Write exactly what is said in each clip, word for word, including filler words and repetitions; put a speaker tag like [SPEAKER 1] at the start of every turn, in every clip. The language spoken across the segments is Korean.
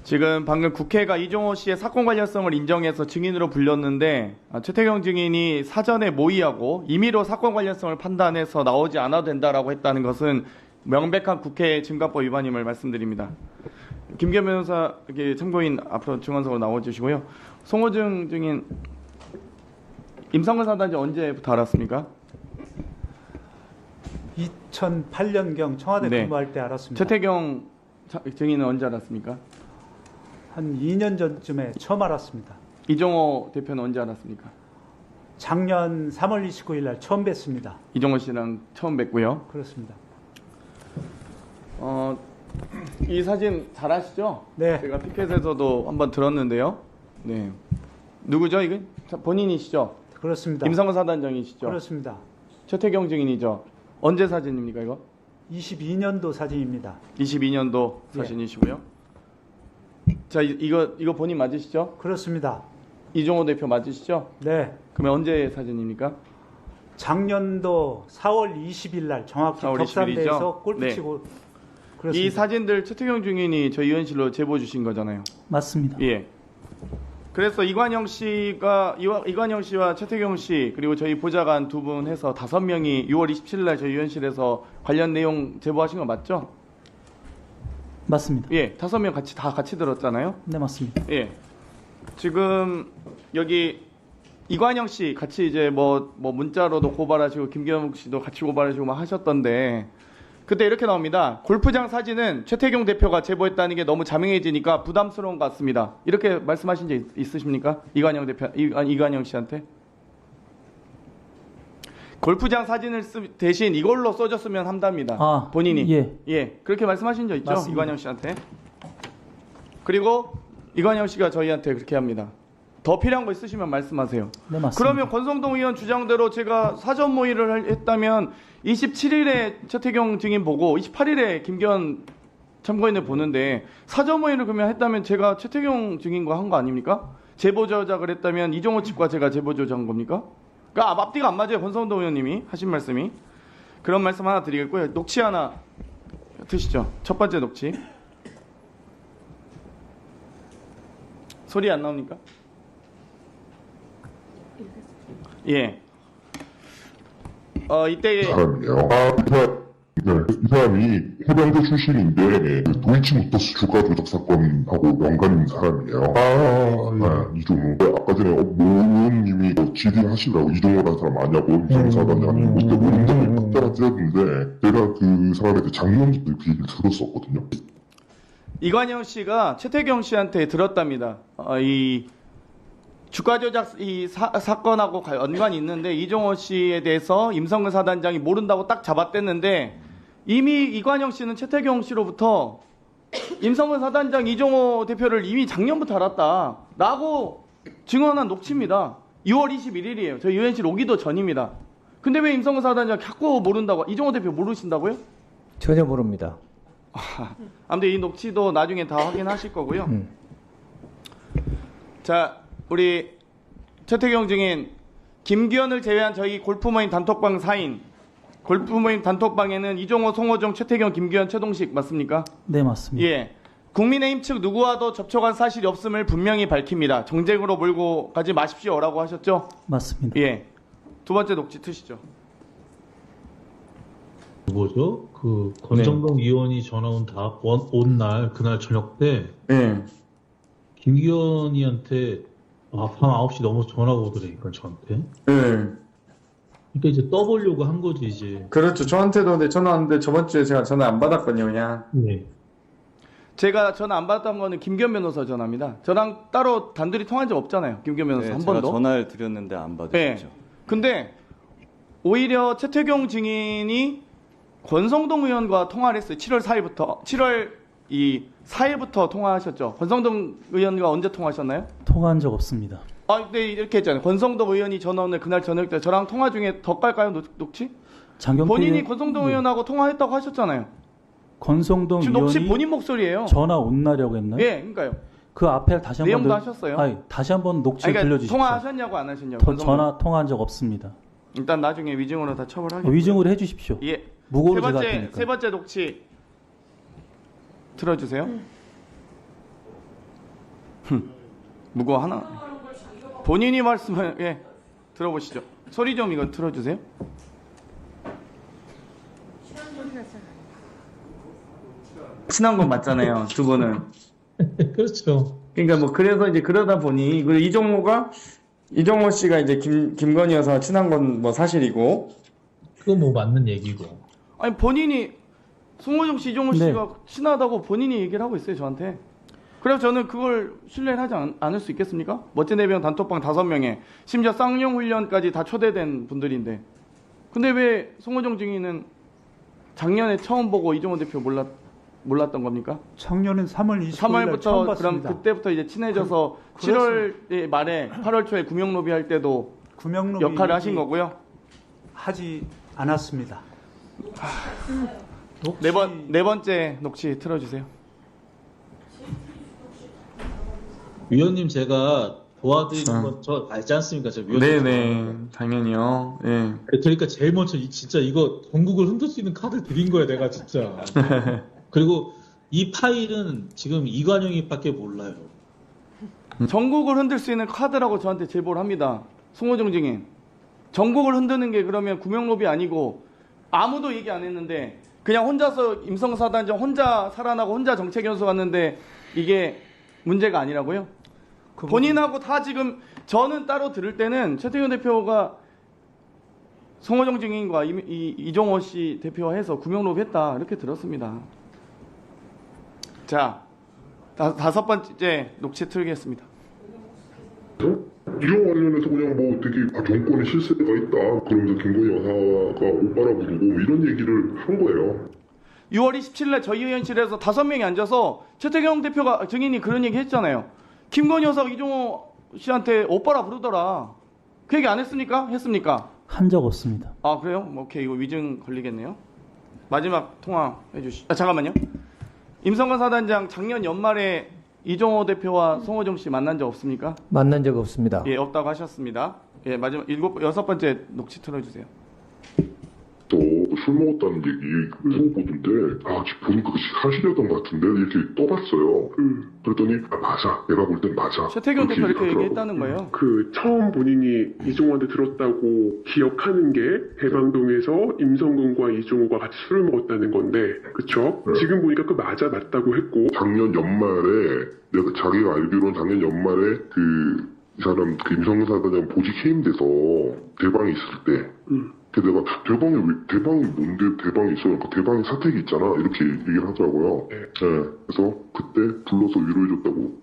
[SPEAKER 1] 지금 방금 국회가 이종호 씨의 사건 관련성을 인정해서 증인으로 불렸는데 아, 최태경 증인이 사전에 모의하고 임의로 사건 관련성을 판단해서 나오지 않아도 된다라고 했다는 것은 명백한 국회 증거법 위반임을 말씀드립니다. 김기현 변호사 이렇게 참고인 앞으로 증언석으로 나와주시고요. 송호증 증인 임성근 사단장 언제부터 알았습니까?
[SPEAKER 2] 이천팔 년경 청와대
[SPEAKER 1] 네.
[SPEAKER 2] 근무할 때 알았습니다.
[SPEAKER 1] 최태경 차- 증인은 언제 알았습니까?
[SPEAKER 2] 한 이 년 전쯤에 처음 알았습니다.
[SPEAKER 1] 이종호 대표는 언제 알았습니까?
[SPEAKER 2] 작년 삼월 이십구일 날 처음 뵀습니다.
[SPEAKER 1] 이종호 씨랑 처음 뵙고요.
[SPEAKER 2] 그렇습니다.
[SPEAKER 1] 어, 이 사진 잘 아시죠?
[SPEAKER 2] 네.
[SPEAKER 1] 제가 피켓에서도 한번 들었는데요. 네. 누구죠, 이게? 자, 본인이시죠?
[SPEAKER 2] 그렇습니다.
[SPEAKER 1] 임성근 사단장이시죠?
[SPEAKER 2] 그렇습니다.
[SPEAKER 1] 최태경 증인이죠? 언제 사진입니까, 이거?
[SPEAKER 2] 이십이 년도 사진입니다.
[SPEAKER 1] 이십이 년도
[SPEAKER 2] 예.
[SPEAKER 1] 사진이시고요. 자, 이, 이거 이거 본인 맞으시죠?
[SPEAKER 2] 그렇습니다.
[SPEAKER 1] 이종호 대표 맞으시죠?
[SPEAKER 2] 네.
[SPEAKER 1] 그러면 언제 사진입니까?
[SPEAKER 2] 작년도 사월 이십일 날 정확히
[SPEAKER 1] 사월 이십일이죠?
[SPEAKER 2] 격산대에서 골프
[SPEAKER 1] 네.
[SPEAKER 2] 치고 그렇습니다.
[SPEAKER 1] 이 사진들 최태경 증인이 저희 의원실로 제보 주신 거잖아요.
[SPEAKER 3] 맞습니다.
[SPEAKER 1] 예. 그래서 이관영 씨가 이와- 이관영 씨와 최태경 씨 그리고 저희 보좌관 두 분 해서 다섯 명이 유월 이십칠일 날 저희 의원실에서 관련 내용 제보하신 거 맞죠?
[SPEAKER 3] 맞습니다.
[SPEAKER 1] 예, 다섯 명 같이 다 같이 들었잖아요.
[SPEAKER 3] 네, 맞습니다.
[SPEAKER 1] 예. 지금 여기 이관영 씨 같이 이제 뭐 뭐 문자로도 고발하시고 김기현 씨도 같이 고발하시고 막 하셨던데 그때 이렇게 나옵니다. 골프장 사진은 최태경 대표가 제보했다는 게 너무 자명해지니까 부담스러운 것 같습니다. 이렇게 말씀하신 적 있- 있으십니까? 이관영 대표 이, 아니, 이관영 씨한테? 골프장 사진을 쓰, 대신 이걸로 써줬으면 한답니다.
[SPEAKER 3] 아,
[SPEAKER 1] 본인이.
[SPEAKER 3] 예.
[SPEAKER 1] 예. 그렇게 말씀하신 적 있죠?
[SPEAKER 3] 맞습니다.
[SPEAKER 1] 이관영 씨한테. 그리고 이관영 씨가 저희한테 그렇게 합니다. 더 필요한 거 있으시면 말씀하세요.
[SPEAKER 3] 네, 맞습니다.
[SPEAKER 1] 그러면 권성동 의원 주장대로 제가 사전 모의를 할- 했다면 이십칠일에 최태경 증인 보고 이십팔일에 김기현 참고인을 보는데 사전 모의를 그러면 했다면 제가 최태경 증인과 한 거 아닙니까? 제보 조작을 했다면 이종호 측과 제가 제보 조작한 겁니까? 그러니까 앞뒤가 안 맞아요. 권성동 의원님이 하신 말씀이. 그런 말씀 하나 드리겠고요. 녹취 하나 드시죠. 첫 번째 녹취. 소리 안 나옵니까? 예. 어 이때
[SPEAKER 4] 사람이에요. 아, 이 사람, 네, 이 사람이 해병대 출신인데 그 도이치모터스 주가 조작 사건하고 연관 있는 사람이에요. 아, 네, 이종호. 아까 전에 어, 모 의원님이 뭐 질의하시더라고. 이종호라는 사람 아냐고 임성사단장이 그때 모른다고 막 따라뜨렸는데 내가 그 사람한테 작년부터 그 얘기를 들었었거든요.
[SPEAKER 1] 이관영 씨가 최태경 씨한테 들었답니다. 어, 이 주가 조작 이 사, 사건하고 가- 연관이 있는데 이종호 씨에 대해서 임성근 사단장이 모른다고 딱 잡아댔는데 이미 이관영 씨는 최태경 씨로부터 임성근 사단장 이종호 대표를 이미 작년부터 알았다라고 증언한 녹취입니다. 유월 이십일일이에요. 저희 유엔실 오기도 전입니다. 근데 왜 임성근 사단장 자꾸 모른다고 이종호 대표 모르신다고요?
[SPEAKER 5] 전혀 모릅니다.
[SPEAKER 1] 아무튼 이 녹취도 나중에 다 확인하실 거고요.
[SPEAKER 5] 음.
[SPEAKER 1] 자, 우리 최태경 증인 김기현을 제외한 저희 골프 모임 단톡방 사인 골프 모임 단톡방에는 이종호, 송호정, 최태경, 김기현, 최동식 맞습니까?
[SPEAKER 3] 네, 맞습니다.
[SPEAKER 1] 예. 국민의힘 측 누구와도 접촉한 사실이 없음을 분명히 밝힙니다. 정쟁으로 몰고 가지 마십시오라고 하셨죠?
[SPEAKER 3] 맞습니다.
[SPEAKER 1] 예. 두 번째 녹취 트시죠.
[SPEAKER 6] 뭐죠? 그 권성동 의원이 전화 온 날 그날 저녁 때
[SPEAKER 1] 예.
[SPEAKER 6] 김기현이한테 아, 밤 아홉 시 넘어서 전화가 오더라니까 저한테.
[SPEAKER 1] 예.
[SPEAKER 6] 그러니까 이제 떠보려고 한 거지 이제.
[SPEAKER 1] 그렇죠. 저한테도 근데 전화 왔는데 저번 주에 제가 전화 안 받았거든요, 그냥.
[SPEAKER 6] 네.
[SPEAKER 1] 제가 전화 안 받았던 거는 김기현 변호사 전화입니다. 저랑 따로 단둘이 통한 적 없잖아요. 김기현 변호사
[SPEAKER 7] 네,
[SPEAKER 1] 한
[SPEAKER 7] 제가
[SPEAKER 1] 번도.
[SPEAKER 7] 전화를 드렸는데 안 받으셨죠.
[SPEAKER 1] 네. 근데 오히려 최태경 증인이 권성동 의원과 통화를 했어요. 칠월 사일부터. 칠월 이 사일부터 통화하셨죠. 권성동 의원과 언제 통화하셨나요?
[SPEAKER 3] 통화한 적 없습니다.
[SPEAKER 1] 아, 근데 이렇게 했잖아요. 권성동 의원이 전화 오늘 그날 저녁 때 저랑 통화 중에 더 깔까요? 녹, 녹취?
[SPEAKER 3] 장경태
[SPEAKER 1] 본인이
[SPEAKER 3] 의원-
[SPEAKER 1] 권성동
[SPEAKER 3] 네.
[SPEAKER 1] 의원하고 통화했다고 하셨잖아요.
[SPEAKER 3] 권성동
[SPEAKER 1] 지금 녹취
[SPEAKER 3] 의원이
[SPEAKER 1] 본인 목소리예요.
[SPEAKER 3] 전화 온 날이라고 했나요?
[SPEAKER 1] 예, 그러니까요.
[SPEAKER 3] 그 앞에 다시 한번
[SPEAKER 1] 내용도
[SPEAKER 3] 늘-
[SPEAKER 1] 하셨어요?
[SPEAKER 3] 아니, 다시 한번 녹취
[SPEAKER 1] 아니, 그러니까
[SPEAKER 3] 들려주십시오.
[SPEAKER 1] 통화하셨냐고 안 하셨냐고.
[SPEAKER 3] 더-
[SPEAKER 1] 권성동.
[SPEAKER 3] 전화 통화한 적 없습니다.
[SPEAKER 1] 일단 나중에 위증으로 다 처벌하겠고요.
[SPEAKER 3] 위증으로 해주십시오.
[SPEAKER 1] 예.
[SPEAKER 3] 무고로
[SPEAKER 1] 세
[SPEAKER 3] 제가 할
[SPEAKER 1] 번째
[SPEAKER 3] 테니까.
[SPEAKER 1] 세 번째 녹취 틀어주세요. 무거 하나. 본인이 말씀을 예 들어보시죠. 소리 좀 이거 틀어주세요. 친한 건 맞잖아요, 두 분은.
[SPEAKER 6] 그렇죠.
[SPEAKER 1] 그러니까 뭐 그래서 이제 그러다 보니 그리고 이종호가 이종호 씨가 이제 김 김건희 여사와 친한 건 뭐 사실이고.
[SPEAKER 6] 그거 뭐 맞는 얘기고.
[SPEAKER 1] 아니 본인이 송호정 씨, 이종호
[SPEAKER 3] 네.
[SPEAKER 1] 씨가 친하다고 본인이 얘기를 하고 있어요 저한테. 그래서 저는 그걸 신뢰를 하지 않, 않을 수 있겠습니까? 멋진 해병 단톡방 다섯 명에 심지어 쌍용 훈련까지 다 초대된 분들인데. 근데 왜 송호정 증인은 작년에 처음 보고 이종호 대표 몰랐 몰랐던 겁니까?
[SPEAKER 2] 청년은 삼월 이십구 일 날 처음
[SPEAKER 1] 삼월부터 그럼
[SPEAKER 2] 봤습니다.
[SPEAKER 1] 그때부터 이제 친해져서
[SPEAKER 2] 그-
[SPEAKER 1] 칠월 말에 팔월 초에 구명로비 할 때도
[SPEAKER 2] 구명로비
[SPEAKER 1] 역할을 하신 거고요.
[SPEAKER 2] 하지 않았습니다. 녹취-
[SPEAKER 1] 네 번 네 번째 녹취 틀어주세요.
[SPEAKER 6] 위원님 제가 도와드리는
[SPEAKER 1] 아.
[SPEAKER 6] 건 저 알지 않습니까? 저 위원님.
[SPEAKER 1] 당연히요. 예.
[SPEAKER 6] 그러니까 제일 먼저 이- 진짜 이거 전국을 흔들 수 있는 카드 드린 거야 내가 진짜. 그리고 이 파일은 지금 이관영이밖에 몰라요.
[SPEAKER 1] 전국을 흔들 수 있는 카드라고 저한테 제보를 합니다. 송호정 증인. 전국을 흔드는 게 그러면 구명로비 아니고 아무도 얘기 안 했는데 그냥 혼자서 임성사단장 혼자 살아나고 혼자 정책연수 갔는데 이게 문제가 아니라고요?
[SPEAKER 2] 그
[SPEAKER 1] 본인하고 다 지금 저는 따로 들을 때는 최태균 대표가 송호정 증인과 이, 이, 이종호 씨 대표와 해서 구명로비 했다 이렇게 들었습니다. 자, 다, 다섯 번째 녹취 틀겠습니다.
[SPEAKER 4] 이런 관련해서 그냥 뭐 되게 아, 정권에 실세가 있다. 그러면서 김건희 여사가 오빠라 부르고 뭐 이런 얘기를 한 거예요.
[SPEAKER 1] 유월 이십칠일에 저희 의원실에서 다섯 명이 앉아서 최태경 대표가 증인이 그런 얘기 했잖아요. 김건희 여사가 이종호 씨한테 오빠라 부르더라. 그 얘기 안 했습니까? 했습니까?
[SPEAKER 3] 한 적 없습니다.
[SPEAKER 1] 아 그래요? 뭐 오케이 이거 위증 걸리겠네요. 마지막 통화 해주시. 아 잠깐만요. 임성근 사단장 작년 연말에 이종호 대표와 송호정 씨 만난 적 없습니까?
[SPEAKER 5] 만난 적 없습니다.
[SPEAKER 1] 예 없다고 하셨습니다. 예 마지막 일곱 여섯 번째 녹취 틀어주세요.
[SPEAKER 4] 또 술 먹었다는 얘기 그 보던데 아 지금 보니까 그 사실이었던 것 같은데 이렇게 떠봤어요. 그랬더니 아 맞아. 내가 볼 땐 맞아.
[SPEAKER 1] 최태경 대표 이렇게
[SPEAKER 4] 얘기하더라고.
[SPEAKER 1] 얘기했다는 거예요.
[SPEAKER 7] 그 처음 본인이 이종호한테 들었다고 기억하는 게 대방동에서 임성근과 이종호가 같이 술을 먹었다는 건데 그쵸?
[SPEAKER 4] 네.
[SPEAKER 7] 지금 보니까 그 맞아 맞다고 했고
[SPEAKER 4] 작년 연말에 내가 자기가 알기로는 작년 연말에 그 이 사람 그 임성근 사단장 보직 해임돼서 대방에 있을 때
[SPEAKER 7] 음.
[SPEAKER 4] 그 내가 대방이 왜 대방이 뭔데 대방이 있어? 그러니까 대방에 사택이 있잖아 이렇게 얘기를 하더라고요.
[SPEAKER 7] 네.
[SPEAKER 4] 네. 그래서 그때 불러서 위로해줬다고.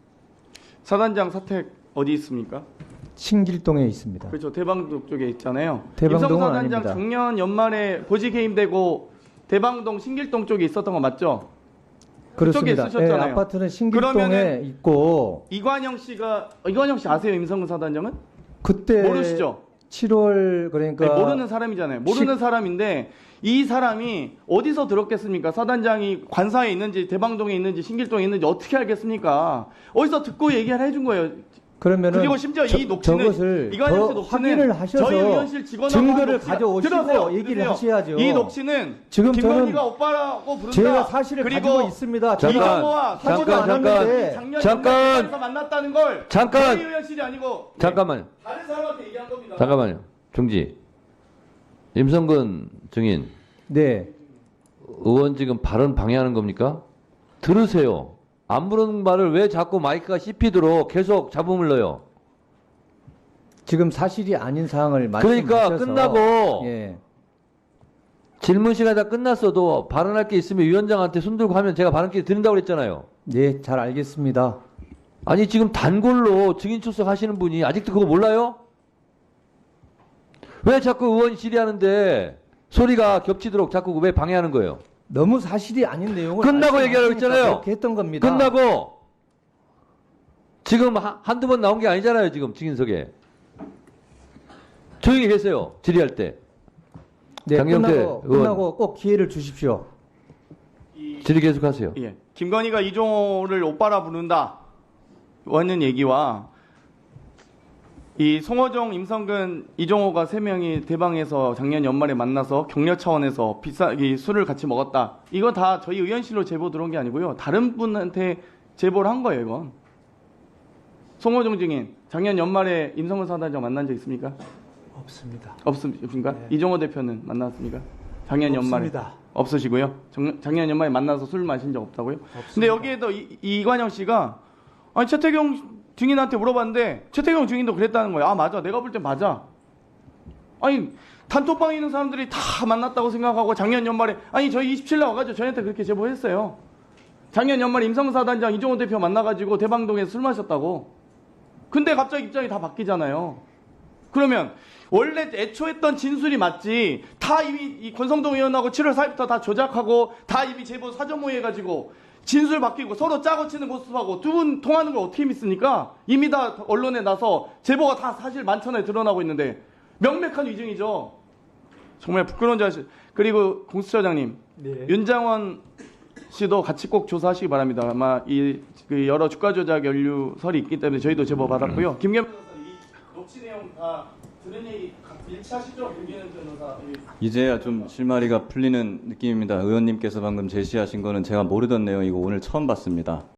[SPEAKER 1] 사단장 사택 어디 있습니까?
[SPEAKER 5] 신길동에 있습니다.
[SPEAKER 1] 그렇죠. 대방동 쪽에 있잖아요.
[SPEAKER 5] 대방동은
[SPEAKER 1] 임성근 사단장
[SPEAKER 5] 아닙니다.
[SPEAKER 1] 작년 연말에 보직 해임되고 대방동 신길동 쪽에 있었던 거 맞죠?
[SPEAKER 5] 그렇습니다.
[SPEAKER 1] 그쪽에 쓰셨잖아요.
[SPEAKER 5] 예, 아파트는 신길동에
[SPEAKER 1] 그러면은
[SPEAKER 5] 있고
[SPEAKER 1] 이관영 씨가 어, 이관영 씨 아세요? 임성근 사단장은?
[SPEAKER 5] 그때
[SPEAKER 1] 모르시죠?
[SPEAKER 5] 칠월 그러니까
[SPEAKER 1] 아니, 모르는 사람이잖아요. 모르는 사람인데 이 사람이 어디서 들었겠습니까? 사단장이 관사에 있는지 대방동에 있는지 신길동에 있는지 어떻게 알겠습니까? 어디서 듣고 얘기를 해준 거예요.
[SPEAKER 5] 그러면은
[SPEAKER 1] 그리고 심지어
[SPEAKER 5] 저,
[SPEAKER 1] 이 녹취는
[SPEAKER 5] 저것을
[SPEAKER 1] 이관영 씨
[SPEAKER 5] 더
[SPEAKER 1] 녹취는
[SPEAKER 5] 확인을 하셔서
[SPEAKER 1] 저희 의원실 직원하고
[SPEAKER 5] 증거를
[SPEAKER 1] 한 녹취가-
[SPEAKER 5] 가져오시고
[SPEAKER 1] 들으세요,
[SPEAKER 5] 얘기를
[SPEAKER 1] 들으세요.
[SPEAKER 5] 하셔야죠.
[SPEAKER 1] 이 녹취는
[SPEAKER 5] 지금
[SPEAKER 1] 김건희가
[SPEAKER 5] 저는
[SPEAKER 1] 오빠라고 부른다.
[SPEAKER 5] 제가 사실을
[SPEAKER 1] 그리고
[SPEAKER 5] 가지고 있습니다.
[SPEAKER 8] 잠깐,
[SPEAKER 1] 이종호와
[SPEAKER 8] 잠깐,
[SPEAKER 1] 하지도
[SPEAKER 8] 잠깐,
[SPEAKER 1] 않았는데 작년
[SPEAKER 8] 잠깐.
[SPEAKER 1] 연말에서 만났다는 걸
[SPEAKER 8] 잠깐.
[SPEAKER 1] 저희 의원실이 아니고
[SPEAKER 8] 잠깐만요.
[SPEAKER 1] 다른 사람한테 얘기한 겁니다.
[SPEAKER 8] 잠깐만요. 중지. 임성근 증인
[SPEAKER 5] 네.
[SPEAKER 8] 의원 지금 발언 방해하는 겁니까? 들으세요. 안 부르는 말을 왜 자꾸 마이크가 씹히도록 계속 잡음을 넣어요?
[SPEAKER 5] 지금 사실이 아닌 사항을
[SPEAKER 8] 그러니까
[SPEAKER 5] 말씀하셔서
[SPEAKER 8] 끝나고
[SPEAKER 5] 예.
[SPEAKER 8] 질문 시간이 다 끝났어도 발언할 게 있으면 위원장한테 손 들고 하면 제가 발언 기회 드린다고 그랬잖아요.
[SPEAKER 5] 네, 잘 알겠습니다.
[SPEAKER 8] 아니 지금 단골로 증인 출석하시는 분이 아직도 그거 몰라요? 왜 자꾸 의원이 질의하는데 소리가 겹치도록 자꾸 왜 방해하는 거예요?
[SPEAKER 5] 너무 사실이 아닌 내용을
[SPEAKER 8] 끝나고 얘기하라고
[SPEAKER 5] 말씀하시니까
[SPEAKER 8] 했잖아요.
[SPEAKER 5] 그렇게 했던 겁니다.
[SPEAKER 8] 끝나고 지금 하- 한두 번 나온 게 아니잖아요. 지금 증인석에. 조용히 계세요. 질의할 때.
[SPEAKER 5] 네,
[SPEAKER 8] 장경태
[SPEAKER 5] 끝나고,
[SPEAKER 8] 의원.
[SPEAKER 5] 끝나고 꼭 기회를 주십시오.
[SPEAKER 8] 질의 계속하세요.
[SPEAKER 1] 예. 김건희가 이종호를 오빠라 부른다. 하는 얘기와 이 송호정, 임성근, 이종호가 세 명이 대방에서 작년 연말에 만나서 격려 차원에서 비싸 이 술을 같이 먹었다. 이거 다 저희 의원실로 제보 들어온 게 아니고요. 다른 분한테 제보를 한 거예요, 이건. 송호정 증인 작년 연말에 임성근 사단장 만난 적 있습니까?
[SPEAKER 2] 없습니다.
[SPEAKER 1] 없습니까?
[SPEAKER 2] 네.
[SPEAKER 1] 이종호 대표는 만났습니까? 작년 연말에
[SPEAKER 2] 없습니다.
[SPEAKER 1] 없으시고요. 정- 작년 연말에 만나서 술 마신 적 없다고요?
[SPEAKER 2] 없습니다.
[SPEAKER 1] 근데 여기에도 이, 이관영 씨가 아니 최태경 증인한테 물어봤는데 최태경 증인도 그랬다는 거예요. 아 맞아, 내가 볼 땐 맞아. 아니 단톡방에 있는 사람들이 다 만났다고 생각하고 작년 연말에 아니 저희 이십칠 일 와가지고 저희한테 그렇게 제보했어요. 작년 연말에 임성근 사단장 이종호 대표 만나가지고 대방동에서 술 마셨다고. 근데 갑자기 입장이 다 바뀌잖아요. 그러면 원래 애초 했던 진술이 맞지 다 이미 이 권성동 의원하고 칠월 사일부터 다 조작하고 다 이미 제보 사전 모의해가지고 진술 바뀌고 서로 짜고 치는 모습하고 두 분 통하는 걸 어떻게 믿습니까? 이미 다 언론에 나서 제보가 다 사실 만천하에 드러나고 있는데 명백한 위증이죠. 정말 부끄러운 자식. 그리고 공수처장님,
[SPEAKER 2] 네.
[SPEAKER 1] 윤장원 씨도 같이 꼭 조사하시기 바랍니다. 아마 이 그 여러 주가 조작 연루설이 있기 때문에 저희도 제보 받았고요. 김겸 변호사 이 녹취 내용 다 들은 얘기 일치하시죠? 김겸 변호사.
[SPEAKER 9] 이제야 좀 실마리가 풀리는 느낌입니다. 의원님께서 방금 제시하신 거는 제가 모르던 내용이고 오늘 처음 봤습니다.